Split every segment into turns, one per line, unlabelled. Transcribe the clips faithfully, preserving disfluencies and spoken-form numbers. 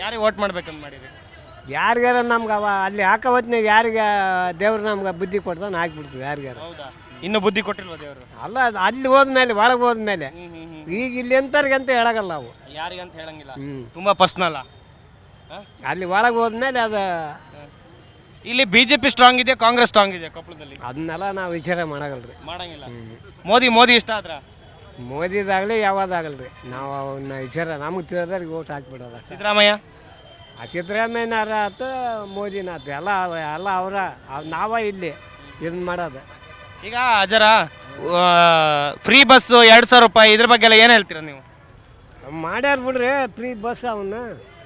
ಯಾರಿಗೆ ವೋಟ್ ಮಾಡ್ಬೇಕಂತ ಮಾಡಿರಿ?
ಯಾರಿಗಾರ ನಮ್ಗೆ ಅವ ಅಲ್ಲಿ ಹಾಕೋ ಹೊತ್ನಾಗ ಯಾರಿಗೆ ದೇವ್ರು ನಮ್ಗೆ ಬುದ್ಧಿ ಕೊಡ್ತಾನೆ ಹಾಕ್ಬಿಡ್ತೀವಿ ಯಾರಿಗಾರ.
ಹೌದಾ? ಇನ್ನು ಬುದ್ಧಿ ಕೊಟ್ಟಿಲ್ವ ದೇವರು?
ಅಲ್ಲ ಅದು ಅಲ್ಲಿ ಹೋದ್ಮೇಲೆ ಒಳಗೆ ಹೋದ್ಮೇಲೆ ಈಗ ಇಲ್ಲಿ ಎಂತವ್ರಿಗೆ ಅಂತ ಹೇಳಗಲ್ಲ ನಾವು,
ಯಾರಿಗಂತ ಹೇಳಂಗಿಲ್ಲ.
ಹ್ಞೂ
ತುಂಬಾ ಪರ್ಸ್ನಲ್ಲ.
ಅಲ್ಲಿ ಒಳಗೆ ಹೋದ್ಮೇಲೆ ಅದು
ಇಲ್ಲಿ ಬಿಜೆಪಿ ಸ್ಟ್ರಾಂಗ್ ಇದೆ, ಕಾಂಗ್ರೆಸ್ ಸ್ಟ್ರಾಂಗ್ ಇದೆ ಕೊಪ್ಪಳದಲ್ಲಿ.
ಅದನ್ನೆಲ್ಲ ನಾವು ವಿಚಾರ ಮಾಡಗಲ್ರಿ.
ಮಾಡಂಗಿಲ್ಲ. ಮೋದಿ ಮೋದಿ ಇಷ್ಟ ಆದ್ರ?
ಮೋದಿದಾಗಲಿ ಯಾವ್ದಾಗಲ್ರಿ, ನಾವು ಅವನ್ನ ವಿಚಾರ ನಮಗೆ ತಿಳಿದವ್ರಿಗೆ ಓಟ್ ಹಾಕ್ಬಿಡೋದ.
ಸಿದ್ದರಾಮಯ್ಯ
ಆ ಸಿದ್ದರಾಮಯ್ಯನಾರ ಆತು ಮೋದಿನ ಆತು ಎಲ್ಲ ಎಲ್ಲ ಅವರ ನಾವ ಇಲ್ಲಿ ಇದನ್ನ ಮಾಡೋದು.
ಈಗ ಅಜರ ಫ್ರೀ ಬಸ್ಸು ಎರಡು ಸಾವಿರ ರೂಪಾಯಿ ಇದ್ರ ಬಗ್ಗೆ ಎಲ್ಲ ಏನು ಹೇಳ್ತೀರಾ ನೀವು?
ಮಾಡ್ಯಾರ ಬಿಡ್ರಿ ಫ್ರೀ ಬಸ್ ಅವನ್ನ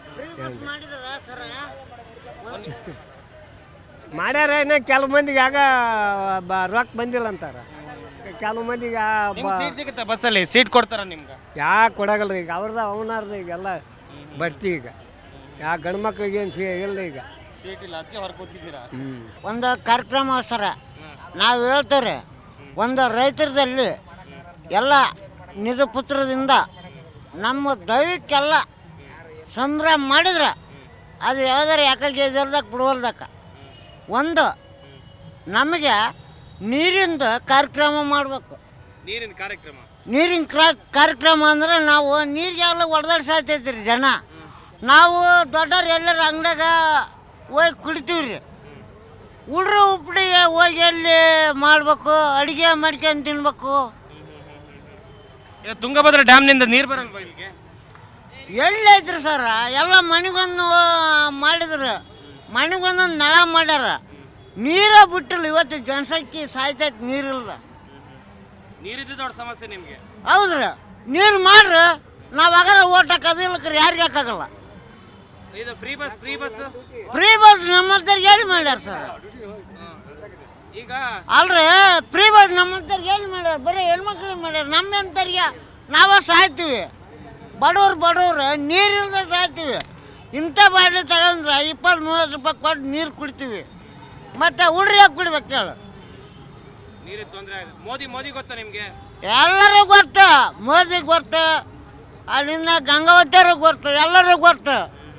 ಮಾಡ್ಯಾರ. ಇನ್ನು ಕೆಲವು ಮಂದಿಗೆ ಆಗ ಬ ರೊಕ್ಕ ಬಂದಿಲ್ಲ ಅಂತಾರ. ಕೆಲವು ಮಂದಿಗೆ
ಸೀಟ್ ಸಿಗುತ್ತೆ ಬಸ್ಸಲ್ಲಿ, ಸೀಟ್ ಕೊಡ್ತಾರ ನಿಮ್ಗೆ?
ಯಾಕೆ ಕೊಡಗಲ್ರಿ ಈಗ ಅವ್ರದ ಅವನಾರ್ದ ಈಗೆಲ್ಲ ಬರ್ತಿ ಈಗ ಯಾ ಗಂಡು ಮಕ್ಳಿಗೆ ಏನು ಸಿ ಇಲ್ಲ ಈಗ
ಸೀಟ್ ಇಲ್ಲ, ಅದಕ್ಕೆ ಹೊರ ಕೂತಿದ್ದೀರಾ?
ಹ್ಞೂ
ಒಂದು ಕಾರ್ಯಕ್ರಮ ಸರ ನಾವು ಹೇಳ್ತಾರೆ, ಒಂದು ರೈತರದಲ್ಲಿ ಎಲ್ಲ ನಿಜ ಪುತ್ರದಿಂದ ನಮ್ಮ ದೈವಕ್ಕೆಲ್ಲ ಸಂಭ್ರಮ ಮಾಡಿದ್ರೆ ಅದು ಯಾವ್ದಾರು ಯಾಕಾಗಿ ಎದರ್ದಾಗ ಬಿಡುವಲ್ದಕ್ಕ ಒಂದು ನಮಗೆ ನೀರಿಂದ ಕಾರ್ಯಕ್ರಮ ಮಾಡಬೇಕು.
ನೀರಿನ ಕಾರ್ಯಕ್ರಮ? ನೀರಿನ
ಕಾರ್ಯಕ್ರಮ ಅಂದ್ರೆ ನಾವು ನೀರಿಗೆಲ್ಲ ಹೊಡೆದಾಡ್ಸಾತೈತಿ ರೀ ಜನ. ನಾವು ದೊಡ್ಡವ್ರು ಎಲ್ಲರ ಅಂಗಡಿಯಾಗ ಹೋಗಿ ಕುಡಿತೀವಿ ರೀ. ಉಳ್ರು ಉಪ್ಪಿಗೆ ಹೋಗಿ ಎಲ್ಲಿ ಮಾಡಬೇಕು, ಅಡುಗೆ ಮಾಡ್ಕೊಂಡು ತಿನ್ಬೇಕು.
ತುಂಗಭದ್ರಾ ಡ್ಯಾಮ್ನಿಂದ ನೀರು ಬರಲ್ವಾ ಇಲ್ಲಿಗೆ?
ಎಲ್ಲಿ ಐತ್ರಿ ಸರ, ಎಲ್ಲ ಮನೆಗೊಂದು ಮಾಡಿದ್ರು, ಮನೆಗೊಂದೊಂದು ನಳ ಮಾಡ್ಯಾರ. ನೀರ ಬಿಟ್ಟಿಲ್ಲ, ಇವತ್ತು ಜನಸಂಖ್ಯೆ ಸಾಯ್ತೈತಿ ನೀರಿಲ್ಲ.
ನೀರಿದ್ದು ದೊಡ್ಡ ಸಮಸ್ಯೆ ನಿಮಗೆ?
ಹೌದ್ರಿ, ನೀರು ಮಾಡ್ರಿ, ನಾವು ಆಗಾರ ಓಟ್ ಹಾಕೋದಿಲ್ಲಕ್ರಿ ಯಾರಿಗೆ ಹಾಕಾಗಲ್ಲ.
ಇದು free bus free bus
free bus ನಮ್ಮಂತವ್ರಿಗೆ ಎಲ್ಲಿ ಮಾಡ್ಯಾರ ಸರ್?
ಈಗ
ಅಲ್ರಿ ಫ್ರೀ ಬಸ್ ನಮ್ಮಂತವ್ರಿಗೆ ಎಲ್ಲಿ ಮಾಡ್ಯಾರ? ಬರೀ ಹೆಣ್ಮಕ್ಳಿಗೆ ಮಾಡ್ಯಾರ. ನಮ್ಮಂತವ್ರಿಗೆ ನಾವ ಸಾಯ್ತೀವಿ, ಬಡವ್ರು ಬಡವ್ರು ನೀರಿಲ್ಲದೆ ಸಾಯ್ತೀವಿ. ಇಂಥ ಬಾಟ್ಲಿ ತಗೊಂಡ್ರೆ ಇಪ್ಪತ್ತು ಮೂವತ್ತು ರೂಪಾಯಿ ಕೊಟ್ಟು ನೀರು ಕುಡಿತೀವಿ, ಮತ್ತೆ ಉಳ್ರಿ ಹಾಕಿ ಕುಡಿಬೇಕು ಹೇಳು.
ನೀರಿಗೆ ತೊಂದರೆ. ಮೋದಿ ಮೋದಿ ಗೊತ್ತಾ ನಿಮಗೆ?
ಎಲ್ಲರೂ ಗೊತ್ತು, ಮೋದಿ ಗೊತ್ತು, ಅಲ್ಲಿಂದ ಗಂಗಾವತಿಯವ್ರಿಗೆ ಗೊತ್ತು, ಎಲ್ಲರಿಗೂ ಗೊತ್ತು.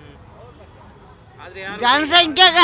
ಜನಸಂಖ್ಯೆಗ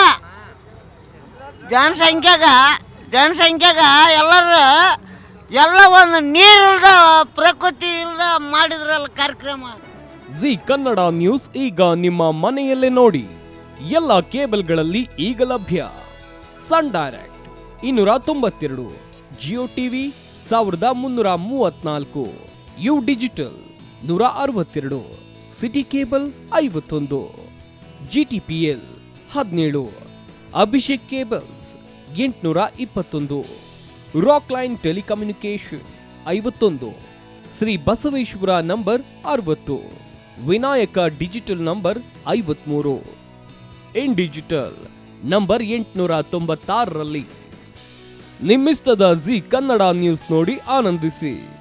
ಜನಸಂಖ್ಯೆಗ ಜನಸಂಖ್ಯೆಗ ಎಲ್ಲರೂ ಎಲ್ಲ ಒಂದು ನೀರಿಲ್ದ ಪ್ರಕೃತಿ ಇಲ್ದ ಮಾಡಿದ್ರಲ್ಲ ಕಾರ್ಯಕ್ರಮ.
ಜಿ ಕನ್ನಡ ನ್ಯೂಸ್ ಈಗ ನಿಮ್ಮ ಮನೆಯಲ್ಲೇ ನೋಡಿ. ಎಲ್ಲ ಕೇಬಲ್ಗಳಲ್ಲಿ ಈಗ ಲಭ್ಯ. ಸನ್ ಡೈರೆಕ್ಟ್ ಇನ್ನೂರ ತೊಂಬತ್ತೆರಡು, ಜಿಯೋ ಟಿವಿ ಸಾವಿರದ ಮುನ್ನೂರ ಮೂವತ್ನಾಲ್ಕು, ಯು ಡಿಜಿಟಲ್ ನೂರ ಅರವತ್ತೆರಡು, ಸಿಟಿ ಕೇಬಲ್ ಐವತ್ತೊಂದು, ಜಿ ಟಿ ಪಿ ಎಲ್ ಹದಿನೇಳು, ಅಭಿಷೇಕ್ ಕೇಬಲ್ಸ್ ಎಂಟುನೂರ ಇಪ್ಪತ್ತೊಂದು, ರಾಕ್ ಲೈನ್ ಟೆಲಿಕಮ್ಯುನಿಕೇಶನ್ ಐವತ್ತೊಂದು, ಶ್ರೀ ಬಸವೇಶ್ವರ ನಂಬರ್ ಅರವತ್ತು, ವಿನಾಯಕ ಡಿಜಿಟಲ್ ನಂಬರ್ ಐವತ್ಮೂರು, ಇನ್ ಡಿಜಿಟಲ್ ನಂಬರ್ ಎಂಟುನೂರ ತೊಂಬತ್ತಾರರಲ್ಲಿ. ನಿಮ್ಮಿಸ್ತದ ಜಿ ಕನ್ನಡ ನ್ಯೂಸ್ ನೋಡಿ ಆನಂದಿಸಿ.